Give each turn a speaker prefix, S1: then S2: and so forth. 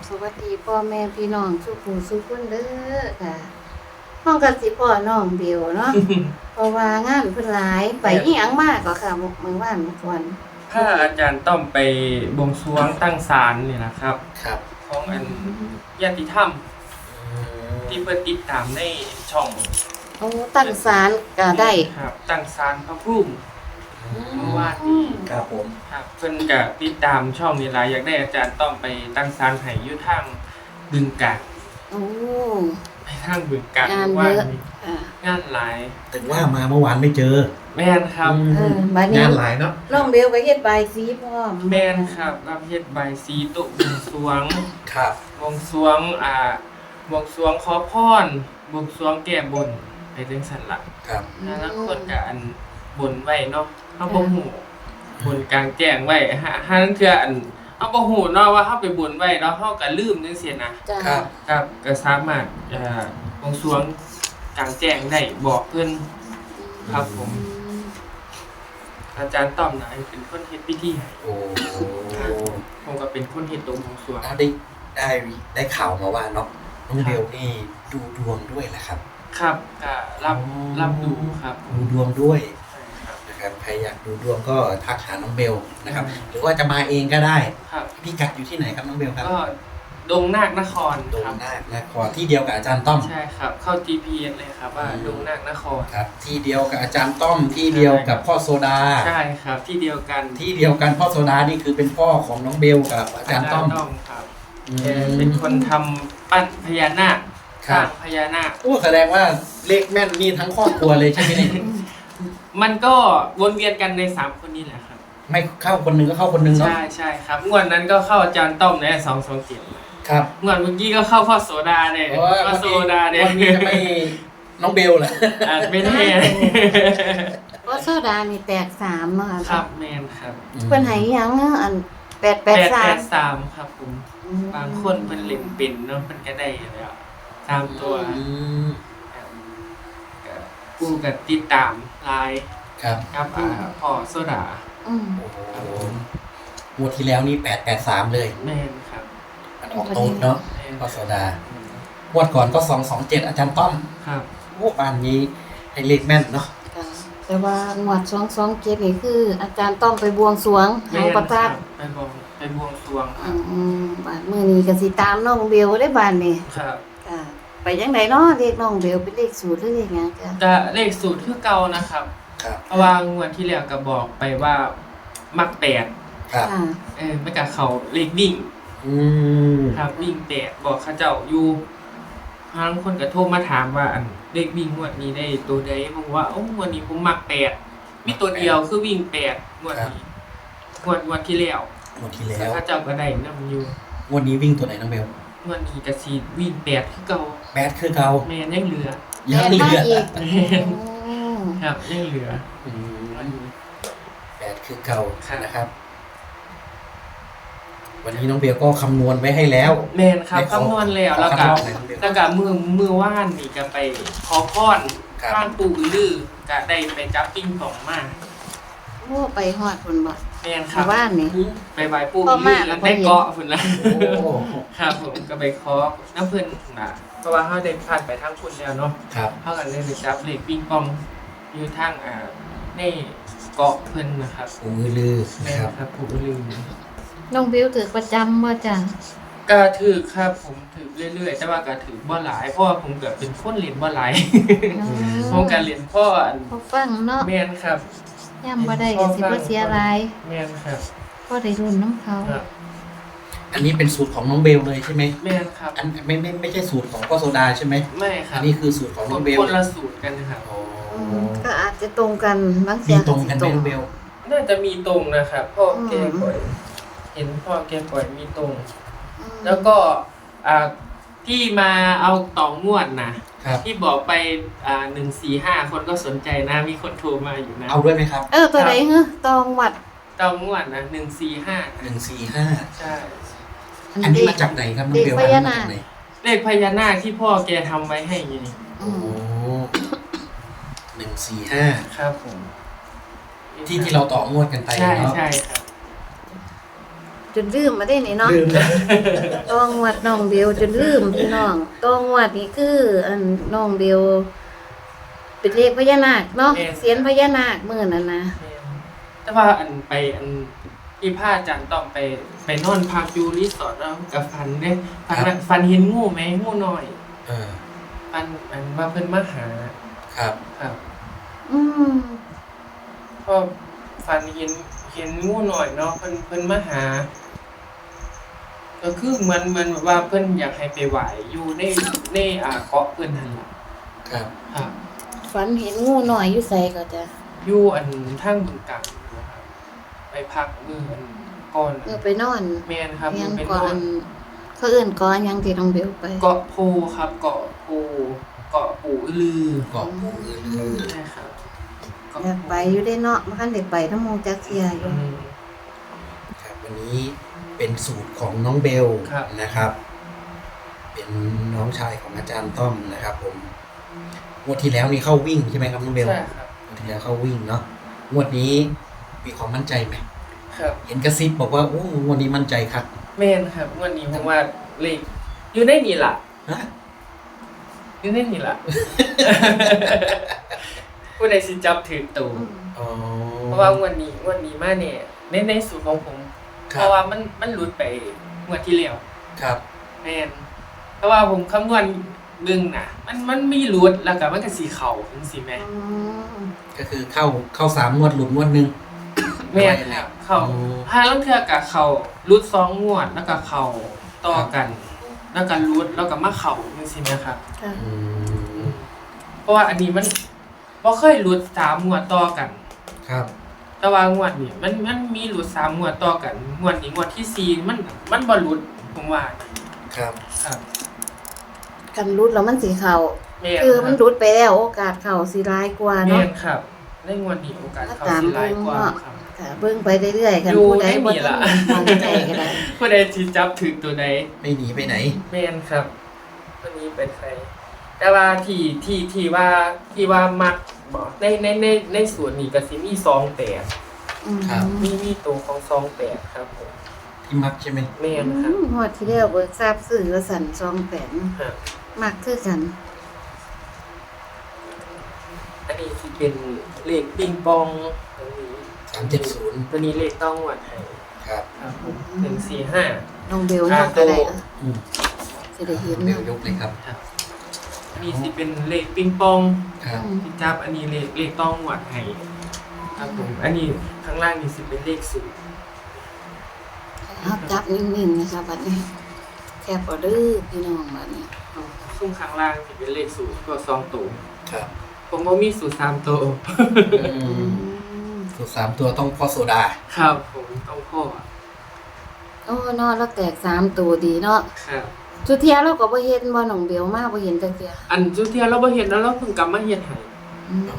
S1: สวัสดีพ่อแม่พี่น้องทุกผู้ทุกคนเด้อค่ะห้องกันสิพ่อน้องเดียวเนาะ เพราะว่างานเพิ่นหลายไปอีหยังมากก็ค่ะมื้อวานเมื่อก่อน
S2: ถ้าอาจารย์ต้อมไปบวงสรวงตั้งศาลนี่นะครับ
S3: ครับ
S2: ของอันญาติธรรมที่เพิ่นติดตามในช่อง
S1: โอ้ตั้งศาลก็ได้
S2: ครับตั้งศาลพระภูมิ เมื่อวานนี้
S3: ครับผม
S2: ครับเพิ่นก็ติดตามช่องนี่ล่ะอยากได้อาจารย์ต้อมไปตั้งศาลให้อยู่ทางบึงกาฬ
S1: โอ้
S2: ไปทางบึงกาฬ
S1: งาน
S2: ว่า
S1: เยอะ
S2: นี่
S1: อ่า
S2: งานหลาย
S3: ถึงว่ามาเมื่อวานไม่เจอ
S2: แม่นครับ
S1: บัดนี้
S3: งานหลายเนาะ
S1: น้องเบลก็เฮ็ดใบายสีพร้อม
S2: แม่นครับรับเฮ็ดใบายสีโต๊ะบวงสรวง
S3: ครับ
S2: บวงสรวงบวงสรวงขอพรบวงสรวงแก้บนไปจังซั่นล่ะ
S3: ครับ
S2: แล้วคนก็อันบนไว้เนาะเฮาบ่ฮู้บนกลางแจ้งไว้หานั้นเทื่ออันเฮาบ่ฮู้เนาะว่าเฮาไปบนไว้แล้วเฮาก็ลืมจังซี่นะ
S1: จ้า
S3: ครับ
S2: ครับก็สามารถบวงสรวงกลางแจ้งได้บอกเพิ่นครับผมอาจารย์ต้อมนะเป็นคนเฮ็ดพิธีให้
S3: โอ้
S2: ผมก็เป็นคนเฮ็ดตรงบวงสรวง
S3: แล้วได้ข่าวมาว่าเนาะน้องเบลนี่ดูดวงด้วยแหละครับ
S2: ครับก็รับดูครับ
S3: ดูดวงด้วย
S2: ใช่ครับ
S3: นะครับใครอยากดูดวงก็ทักหาน้องเบลนะครับ หรือว่าจะมาเองก็ได้
S2: ครับ
S3: พี่กัดอยู่ที่ไหนครับน้องเบลครับ
S2: ก็ดงนาคนคร
S3: ดง
S2: ครับ
S3: นาคนครที่เดียวกับอาจารย์ต้อม
S2: ใช่ครับ เข้า GPS เลยครับว่าดงนาคนคร
S3: ครับ ที่เดียวกับอาจารย์ต้อมที่เดียวกับพ่อโซดา
S2: ใช่ครับที่เดียวกัน
S3: ที่เดียวกันพ่อโซดานี่คือเป็นพ่อของน้องเบลกับอาจารย์ต้อม
S2: ครับ
S3: อืม
S2: เป็นคนทำปั้นพญานาค
S3: ครั
S2: ส
S3: บ
S2: ร้างพญานาค
S3: โอ้แสดงว่าเลขแม่นนี่ทั้งครอบครัวเลยใช่ไหมเนี่ย
S2: มันก็วนเวียนกันใน3คนนี้แหละครับ
S3: ไม่เข้าคนหนึงก็เข้าคนหนึงเนาะ
S2: ใช่ครับงวดนั้นก็เข้าอาจารย์ต้อมใน227
S3: ครับ
S2: งวดเมื่อกี้ก็เข้าพ่อโสดาเนี่ย
S3: โอ้ย
S2: พ่อโสดาเนี่ย
S3: วันนี้จะไม่น้องเบลเหรอ
S2: อาจไม่แน่
S1: เพราะโซดานี่แตก3เนาะ
S2: ครับแมนครับ
S1: เพิ่นให้อิหยังเนาะอัน883
S2: 883ครับผมบางคนเพิ่นเล่นเป็นเนาะเพิ่นก็ได้แล้ว3ตัว
S3: อืม
S2: กูกับติดตามไลน์
S3: ครับ
S2: ครับพ่อโซดา
S1: อืม
S3: โอ้โหงวดที่แล้วนี่883เลย
S2: แม่นครับ
S3: มันออกโต๊ดเนาะ
S2: แม่น
S3: พ่อโซดางวดก่อนก็227อาจารย์ต้อม
S2: ครับ
S3: โอ้บ้านนี้ให้เลขแม่นเนาะ
S1: ค่ะแต่ว่างวด227นี่คือ อาจารย์ต้องไปบวงสรวง
S2: แม่
S1: หาง
S2: น
S1: ประทับ
S2: ไปบวงสรวงครับ
S1: บาดมื้อนี้ก็สิตามน้องเบลได้บาดนี้
S2: ครับ
S1: ค่ะไปจังไดเนาะเลขน้องเบลเป็นเลขสูตรหรือเลขหยังจ้ะ
S2: จะเลขสูตรคือเก่านะครับ
S3: ครับ
S2: เพราะว่างวดที่แล้วก็บอกไปว่ามัก8
S3: ครับ
S1: ค่ะ
S2: ไม่กับเขาเลขวิ่ง
S3: อืม
S2: ครับวิ่ง8บอกเขาเจ้าอยู่บางคนก็โทรมาถามว่าอันเลขวิ่งงวดนี้ได้ตัวใดผมว่าโอ้งวดนี้ผมมัก8มีตัวเดียวคือวิ่ง8งวดนี้งวดที่แล้ว
S3: งวดที่แล้
S2: แล้ว
S3: ว
S2: เขาเจ้าก็ได้นำอยู่
S3: งวดนี้วิ่งตัวไหนน้องเบล
S2: งวดนี้ก็สิวิ่ง8คือเก่า
S3: 8คือเก่า
S2: แม่นยังเหลือ
S3: ยังเหลื
S1: มา
S3: อ
S1: อีก
S2: ครับยังเหลือ
S3: อืม8คือเก่านะครับ วันนี้น้องเบลก็คำนวณไว้ให้แล้ว
S2: แม่นครับคำนวณแล้วแล้วก็
S3: ขอคำนวณหน่อยน้องเบล
S2: แล้วก็มือว่านนี่ก็ไปขอพร
S3: ครับ
S2: ข้างปู่อือลือก็ได้ไปจับปิ้งป่องมา
S1: โอ้ไปฮอดพุ่นบ่
S2: แม่นค
S1: ชา
S2: รั
S1: ว
S2: บ
S1: บ้านนี่
S2: ไปไหว้ปู่
S1: พ่
S2: อื
S1: อ
S2: อ
S1: มา
S2: ลือ
S1: แล้
S2: แล้ว ว
S1: พ่อ
S2: ได้
S1: เห็น
S2: เกาะพุ่นละ
S3: โอ้
S2: ครับผมก็ไปขอน้ำเพิ่นน่ะเพราะว่าเฮาได้ผ่านไปทางคุณแล้วเนาะ
S3: ครับ
S2: เฮาก็เลยไปจับเลขปิ้งปองอยู่ทางในเกาะเพิ่นนะครับ
S3: ปู่อือลือ
S2: แม่
S3: นะ
S2: น
S3: ครับ
S2: ครับปู่อือลือ
S1: น้องเบลถือประจำบ่จ้ะ
S2: ก็ถือครับผมถือเรื่อยๆแต่ว่าก็ถือบ่หลายเพราะว่าผมก็เป็นคนเล่นบ่หลาย ผมก็เล่นพ่ออัน
S1: พอฟังเนาะ
S2: แม่นครับ
S1: ย่ำบ่ได้ก็สิบ่เสียหลาย
S2: แม่นครับ
S1: พอได้รุ่นน้ำเขา
S2: ครับ
S3: อันนี้เป็นสูตรของน้องเบลเลยใช่ไหม
S2: แม่นครับ
S3: อันไม่ใช่สูตรของพ่อโซดาใช่ไหม
S2: ไม่ครั
S3: อั
S2: บ
S3: นนี้คือสูตรของน้องเบล
S2: คนละสูตรกันครับ
S3: โอ้
S1: ก็อาจจะตรงกันบาง
S3: มี
S1: เสีย
S3: ตรงกันไหมน้องเบล
S2: น่าจะมีตรงนะครับพ่อแกปล่อยเห็นพ่อแกปล่อยมีตรง แล้วก็ที่มาเอาต่องวดนะครับ ที่บอกไป145คนก็สนใจนะ มีคนโทรมาอยู่นะ
S3: เอาด้วยไหมครับ
S1: ตัวใดฮะตองวัด
S2: ต่องวดนะ145
S3: 145
S2: ใช่
S3: อันนี้มาจากไหนครับน้องเบล
S1: เด็กพญานาค
S3: อันนี้มาจากไหน
S2: เลขพญานาคที่พ่อแกทำไว้ให้ไง
S3: โอ้145
S2: ครับผม
S3: ที่เราต่องวดกันไป
S2: ใช่
S3: เนาะ
S2: ใช่ครับ
S1: จจนลืมมาได้นี่เนาะ
S3: ลืมนะ
S1: ต้องงวดน้องเบลจนลืมพี่น้องต้องงวดนี่คืออันน้องเบลเป็นเลขพญานาคเนาะเสียนพญานาคมื้อนั้นนะ
S2: แต่ว่าอันที่พาอาจารย์ต้องไปนอนพักอยู่รีสอร์ทแล้วกับฟันเด้ฟันเห็นงูไหมงูน้อย ฟันอันว่าเพิ่นมาหา
S3: ครับ
S2: ครับ
S1: อืม
S2: ก็ฟันเห็นงูน้อยเนาะเพิ่นมาหา ก็คือเหมือนแบบว่าเพิ่นอยากให้ไปไหว้อยู่ในเกาะเพิ่นนั่นล่ะ
S3: ครับ
S2: ครับ
S1: ฝันเห็นงูหน่อยอยู่ไสก็จะ
S2: อยู่อันทางบึงกาฬนะครับไปพักมื้ออันก่อน
S1: ไปนอน
S2: แม่นครับ
S1: ยัง
S2: ไปน
S1: ก่อ
S2: อน น
S1: เขาเอื่นก่อนยังที่น้องเบลไป
S2: เกาะโพครับเกาะโพเกาะปู่อือลือ
S3: เกาะปูลือ
S2: ใช่ครับเกาะ
S1: อยากไปอยู่ได้เนาะมันคันได้ไปน้ำมูจักเทียอยู่
S2: อืม
S3: ครับวันนี้เป็นสูตรของน้องเบล
S2: ครับ
S3: นะครับ เป็นน้องชายของอาจารย์ต้อมนะครับ ผมงวดที่แล้วนี่เข้าวิ่งใช่ไหมครับน้องเบล
S2: ใช่ครับ
S3: งวดที่แล้วเข้าวิ่งเนาะงวดนี้มีความมั่นใจไหม
S2: ครับ
S3: เห็นกระซิบบอกว่าโอ้งวดนี้มั่นใจครับ
S2: แม่นครับวันนี้ผมว่าเลขอยู่ในนี่ล่ะ
S3: ฮะ
S2: อยู่ในนี่ล่ะ ผู้ใดสิจับถือตู
S3: อ๋อ
S2: เพราะว่างวดนี้มาเนี่ยในสูตรของผม
S3: ค
S2: เพ
S3: รับ
S2: ราะว่ามันหลุดไปงวดที่แล้ว
S3: ครับ
S2: แม่นเพราะว่าผมคำนวณเบิ่งน่ะ มันมีหลุดแล้วก็มันก็สิเข้าจังซี่แม่
S1: อืม
S3: ก็คือเข้า3 งวดหลุดงวดหนึง
S2: แม่นครับเข้า
S3: อ๋อ
S2: ห้าลังเทื่อก็เข้าหลุด2งวดแล้วก็เข้าต่อกัน แล้วก็หลุดแล้วก็มาเข้าจังซี่แม่ครับ
S1: ค่ะ
S3: อืม
S2: เพราะว่าอันนี้มันบ่เคยหลุด3งวดต่อกัน
S3: ครับ
S2: แต่ว่างวดนี้มันมีหลุด3งวดต่อกันงวดนี้งวดที่4มันบ่หลุดผมว่า
S3: ครับ
S2: ครับ
S1: กันรุดแล้วมันสิเข้า
S2: แม่น
S1: คือมัน
S2: รับ
S1: รุดไปแล้วโอกาสเข้าสิร้ายกว่า
S2: แม่
S1: เนาะ
S2: นครับในงวดนี้โอกาสเข้าสิหลายกว่าครับ
S1: ค่ะเบิ่งไปเรื่อยๆกัน
S2: อยู่
S1: ผู้ใดบ่
S2: ในนี่ล่ะ
S1: ตั้งใจก็ได้
S2: ผู้ใดสิจับถึงตัวใด
S3: ไม่หนีไปไหน
S2: แม่นครับตัวนี้เป็นใครแต่ว่าที่ว่ามักบ่ในส่วนนี้ก็สิมี28
S1: อืม
S3: ครับ
S2: มีตัวของ28ครับผม
S3: ที่มักใช่ไหม
S2: แม่นครับ
S1: งวดที่แล้วเบิกทราบซื้อว่าสั่น28
S2: ครับ
S1: มักคือกัน
S2: อันนี้สิเป็นเลขปิงปองตรงนี้
S3: 370
S2: ตัวนี้เลขต้องวัดให้
S3: ครับ
S2: ครับผม145
S1: น้องเบลนับก็ได้อะ
S3: อืม
S1: สิได้เห็น
S3: เบล
S1: เนาะ
S3: ยกเลยครับ
S2: ครับอันนี้สิเป็นเลขปิงปอง
S3: ครับ
S2: ที่จับอันนี้เลขต้องวัดให้ครับผมอันนี้ข้างล่างนี่สิเป็นเลข0
S1: เอาจับนิ่งๆนะคะบัดนี้แคบเอาเด้อพี่น้องบัดนี้
S2: ซุ่มข้างล่างสิเป็นเลข0ตัว2ตัว
S3: ครับ
S2: ผมบ่มีสูตร3ตัว
S3: อืมสูตร3 ตัวต้องพ่อโซดา
S2: ครับผมต้องพ่อ
S1: โอ้เนาะแล้วแตก3ตัวดีเนาะ
S2: ครับ
S1: สุดเทียเราก็บ่เห็นบ่น้องเบลมาบ่เห็นจักเที่ย
S2: อันจุดเทียเราบ่เห็นแล้วเราเพิ่งกลับมาเฮ็ดให้
S1: อืม